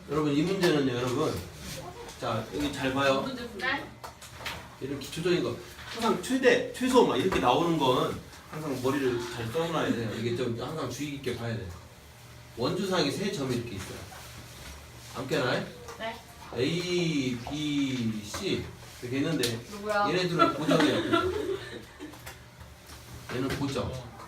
여러분 이 문제는요 여러분 자 여기 잘 봐요. 문제 풀래? 이런 기초적인 거 항상 최대 최소 막 이렇게 나오는 건 항상 머리를 잘 써놔야 돼요. 이게 좀 항상 주의 깊게 봐야 돼요. 원주상에 세 점이 이렇게 있어요. 함께나요? 네. A, B, C 이렇게 있는데 누구야? 얘네들은 고정이에요. 고정. 얘는 고정.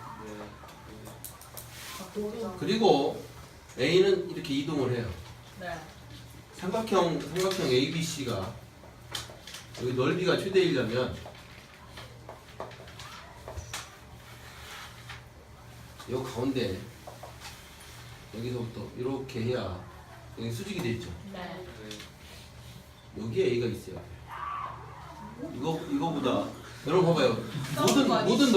그리고 A는 이렇게 이동을 해요. 네. 삼각형 ABC가 여기 넓이가 최대이려면 이 가운데 여기서부터 이렇게 해야 여기 수직이 돼 있죠. 네. 여기에 A가 있어요. 이거보다 여러분 봐봐요. 모든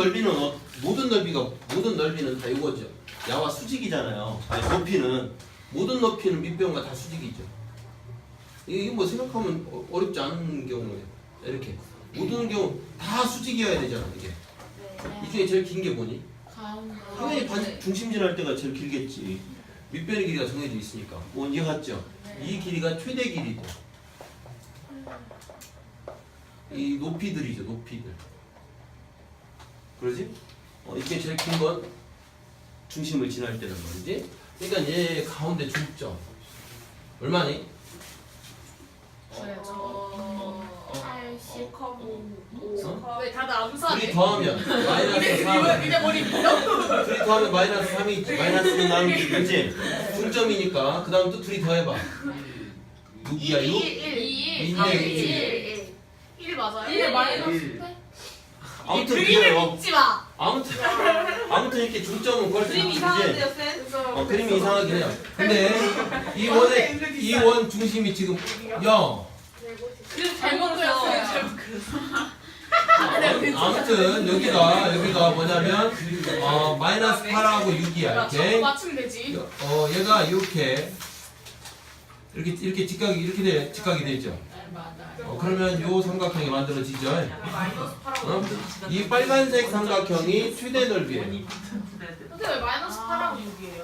넓이는 다 이거죠. 야와 수직이잖아요. 아니 높이는 모든 높이는 밑변과 다 수직이죠. 이게 뭐 생각하면 어렵지 않은 경우에 이렇게 모든 경우 다 수직이어야 되잖아 이게. 이 중에 제일 긴 게 뭐니? 당연히 반 중심질 할 때가 제일 길겠지. 밑변의 길이가 정해져 있으니까. 뭐 이해갔죠? 이 길이가 최대 길이고 이 높이들이죠. 높이들. 그러지? 이게 제일 긴 건 중심을 지날 때란 말이지. 그러니까 얘 가운데 중점 얼마니? 80컵. 왜 다들 암산해? 둘이 더하면 마이너스 3. 이제 머리 밀려? 둘이 더하면 마이너스 3이 있지. 마이너스 3 나누기 그지? 중점이니까 그 다음 또 둘이 더해봐. 6이야 6? 1 2네 1 맞아요? 1 마이너스 1. 8? 아무튼 그림을 그래요. 믿지 마! 아무튼 이렇게 중점은 그걸 수 그림 있지. 이상한데요, 쌤? 그림이 이상하긴 해요. 근데 이 원 중심이 지금 0. 그림 잘못 그렸어요. 아무튼 여기가 뭐냐면 마이너스 8하고 6이야. 이렇게. 맞추면 되지. 얘가 이렇게 직각이 되죠. 그러면 요 삼각형이 만들어지죠. 이 빨간색 삼각형이 최대 넓이에요. 근데 왜 마이너스 8하고 6이에요?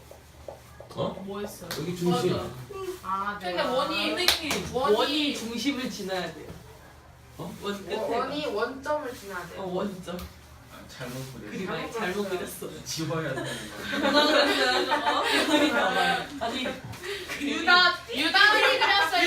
뭐 했어요? 여기 중심. 아, 그러니까 원이 중심을 지나야 돼요. 원 끝에. 원이 원점을 지나야 돼요. 원점. 잘못 그렸어. 그림 아니 잘못 그렸어요. 지워야 되는 거. 누가 그랬어요? 그림이 나와요. 아니 유다리 그렸어요.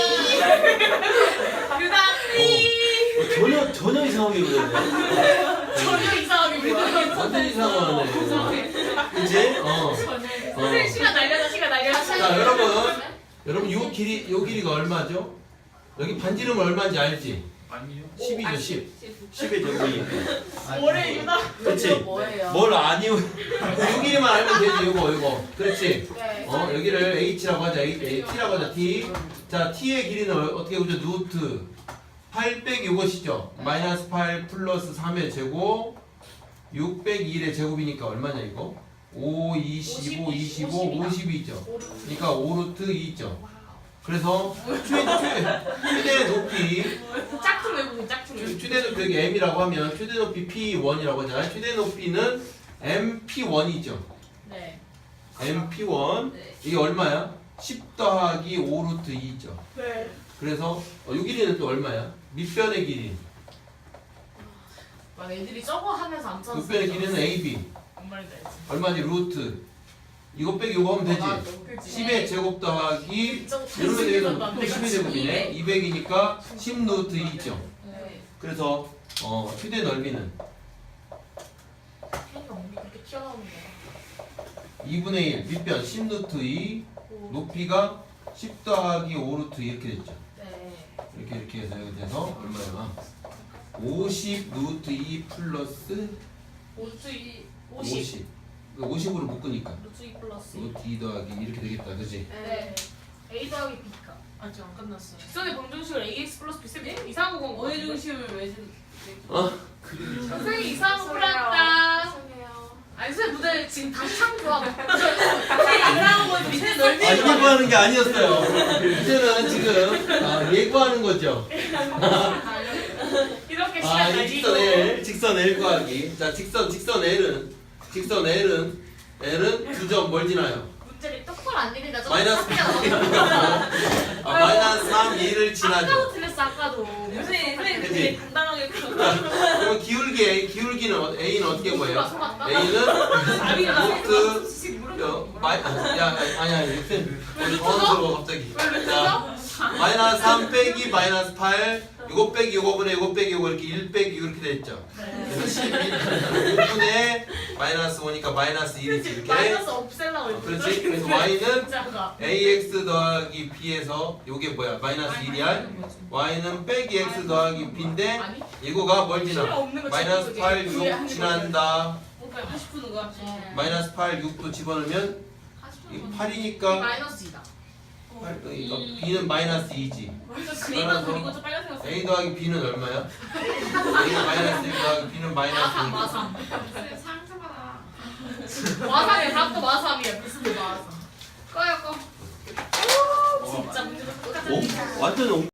유다리. 전혀 이상하게 그렸네. 전혀 이상하게 뭐야? 완전 이상하네. 그치? 선생님 시간 날려서. 자, 여러분 요 길이가 얼마죠? 여기 반지름 얼마인지 알지? 아니요. 10이죠, 10. 10의 제곱이. 올해 유다. 그렇지? 뭐예요? 뭘 아니요. 요 길이만 알면 되지, 요거. 그렇지? 네. 여기를 H라고 하자, T라고 하자, T. 자, T의 길이는 어떻게 보죠? 루트 8 빼기 이것이죠. 마이너스 8 플러스 3의 제곱 6 빼기 1의 제곱이니까 얼마냐 이거? 5, 25, 25, 50이죠. 그러니까 5루트 2죠. 그래서 최대 높이 짝퉁 외국인 짝퉁. 최대 높이 여기 M이라고 하면 최대 높이 P1이라고 하잖아요. 최대 높이는 MP1이죠. 네. MP1 네. 이게 얼마야? 10 더하기 5루트 2죠. 네. 그래서 요 길이는 또 얼마야? 밑변의 길이. 막 애들이 저거 하면서 안 찾았어. 밑변의 길이는 AB. 뭔 말인지 알지? 얼마지? 루트. 이거 빼기 이거 하면 되지. 그치? 10의 제곱 더하기 이러면 되겠다. 또 10의 제곱이네. 200이니까 10 루트 2죠. 네. 그래서 최대 넓이는 걔가 몸이 그렇게 튀어나오는 거야. 2분의 1 밑변 10 루트 2 높이가 10 더하기 5 루트 이렇게 됐죠. 네. 이렇게 해서 여기 돼서 얼마야? 50 루트 2 플러스 50. 50으로 묶으니까 루트 2 플러스. 루트 2 더하기 이렇게 되겠다. 그지? 네. A 더하기 B가. 아직 안 끝났어요. 직선의 방정식을 AX 플러스 B 쌤 이상한 거 원의 중심을 왜 그림이 참. 선생님 이상한 거 풀었다. 죄송해요. 아니 선생님 무대 지금 다시 참 좋아. 이상한 거 밑에 넓이. 예고하는 게 아니었어요. 이제는 지금 예고하는 거죠. 이렇게 시간 이 날리고. 직선 L 구하기. 자, 직선 L은 두 점 뭘 지나요? 문제를 똑바로 속을 안 내린다. 마이너스 마이너스 3, 2를 지나죠. 아까도 틀렸어 아까도. 선생님 그치? 되게 당당하게 그러면 기울기는 A는 어떻게 보여요? 속았다. A는 루트 아니야 우리 당황스러워 갑자기. 자 마이너스 3 빼기 마이너스 8 이거 빼기 이거분의 이거 빼기 이거 이렇게 1 빼기 이렇게 됐죠. 그래서 11 5분의 마이너스 5니까 마이너스 1이지 이렇게. 마이너스 없앨라고 했지. 그렇지. 그래서 Y는 진짜가. AX 더하기 B에서 이게 뭐야? 마이너스 1이야. Y는 빼기 X 더하기 B인데 아니? 이거가 뭘 필요 지나? 없는 거 마이너스 8, 6 지난다. 오빠 하고 싶은 거야. 마이너스 8, 6도 집어넣으면 이 8이니까 마이너스 2다. 그러니까 B는 마이너스 2지. 그림만 그리고 좀 빨간색 A 더하기 B는 얼마야? A는 마이너스 1 더하기 B는 마이너스 2. 마삼. 상상하다. 마삼이야. 답도 마삼이야. 무슨 마삼. 꺼요 꺼. 진짜 문제가 똑같아. 완전